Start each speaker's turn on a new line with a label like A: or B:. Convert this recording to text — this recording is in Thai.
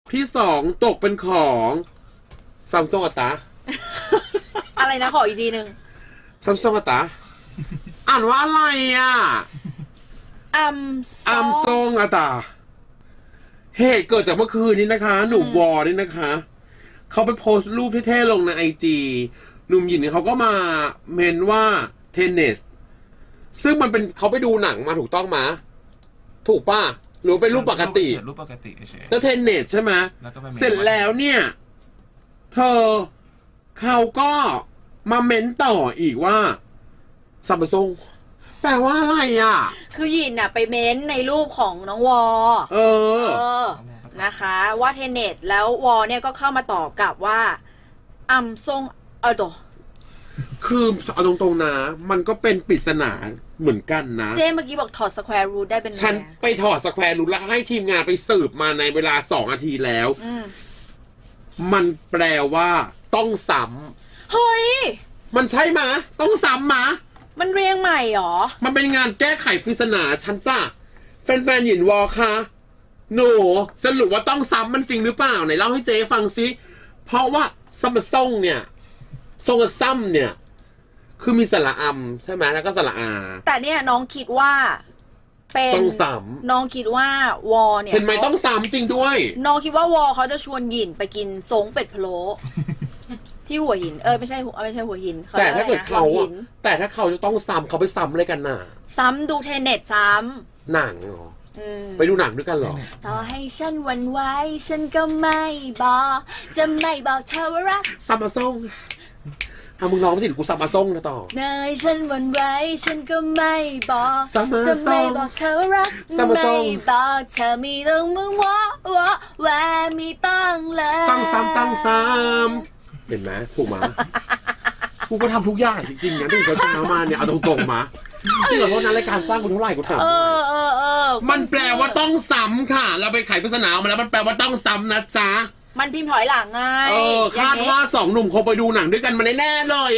A: ที่สองตกเป็นของซัมซุงอะตา
B: อะไรนะขออีกทีหนึ่ง
A: ซัมซุงอะตาอ่านว่าอะไรอ่ะ
B: อัม
A: อัมซงอะตาเหตุเกิดจากเมื่อคืนนี้นะคะหนุ่มวอนี่นะคะเขาไปโพสต์รูปเท่ๆลงในIG หนุ่มหยินเขาก็มาเมนว่าเทนเนสซึ่งมันเป็นเขาไปดูหนังมาถูกต้องมาถูกป่ะหรือเป็นรูปปกติ
C: รูปปกติเฉย
A: แล้วเทนเนสใช่ไหมเสร็จแล้วเนี่ยเธอเขาก็มาเม้นต่ออีกว่าซัมซุงแปลว่าอะไรอ่ะ
B: คือหยินน่ะไปเม้นในรูปของน้องวอ
A: เออ
B: นะคะว่าเทนเน็ตแล้ววอเนี่ยก็เข้ามาตอบกลับว่าอัมซงตัว
A: คือเอาตรงๆนะมันก็เป็นปริศนาเหมือนกันนะ
B: เจเมื่อกี้บอกถอดสแควร์รูทได้เป็นไง
A: ฉันไปถอดสแควร์รูทแล้วให้ทีมงานไปสืบมาในเวลา2 นาทีแล้ว มันแปลว่าต้องซ้
B: เฮ้ย
A: ำมันใช่มะต้องซ้ำมะ
B: มันเรียงใหม่หรอ
A: มันเป็นงานแก้ไขปริศนาฉันจ้ะแฟนๆหยินวอคะหนูสรุปว่าต้องซ้ำมันจริงหรือเปล่าไหนเล่าให้เจ๊ฟังซิเพราะว่าซัมซุงเนี่ยทรงกับซ้ำเนี่ยคือมีสระอัมใช่ไหมแล้วก็สระอา
B: แต่เนี่ยน้องคิดว่าเป็น
A: ต้องซ้
B: น้องคิดว่าวอเนี่ย
A: เห็นไหมต้องซ้ำจริงด้วย
B: น้องคิดว่าวอเขาจะชวนหยินไปกินซงเป็ดพะโล้ ที่หัวหินไม่ใช่หัวหิน
A: แต่ถ้าเกิดเขา
B: หัวหิน
A: แต่ถ้าเขาจะต้องซ้ำเขาไปซ้ำอะไรกันน่ะ
B: ซ้ำดูเทนเน็ตซ้
A: หนังเหรอ
B: ำ
A: ไปดูหนังด้วยกันเหรอ
B: ต่อให้ฉันหวันไหวฉันก็ไม่บอกจะไม่บอกเธอว่ารัก
A: ซัมซุงมึงร้องสิกูซัมซุงนะต่อ
B: เนยฉันหวันไหวฉันก็ไม่บอก
A: Summer
B: จะไม่
A: Song
B: บอกเธอว่ารัก
A: Summer
B: ไม่
A: Song
B: บอกเธอมีต้องมึงว่าแหวมีต้องเลย
A: ตั้งซ้ำเห็นไหมถูกมา กูก็ทำทุกอย่างจริงๆนะที่เขาเช้ามาเนี่ยเอาตรงๆมาที่ขอโทษนะรายการจ้างกูเท่าไหร่กูถามหน่อยมันแปลว่าต้องซ้ำค่ะ เราไปไขปริศนาออกมาแล้วมันแปลว่าต้องซ้ำนะจ๊ะ
B: มันพิมพ์ถอยหลังไง
A: คาดว่า2 หนุ่มคงไปดูหนังด้วยกันมาแน่ๆเลย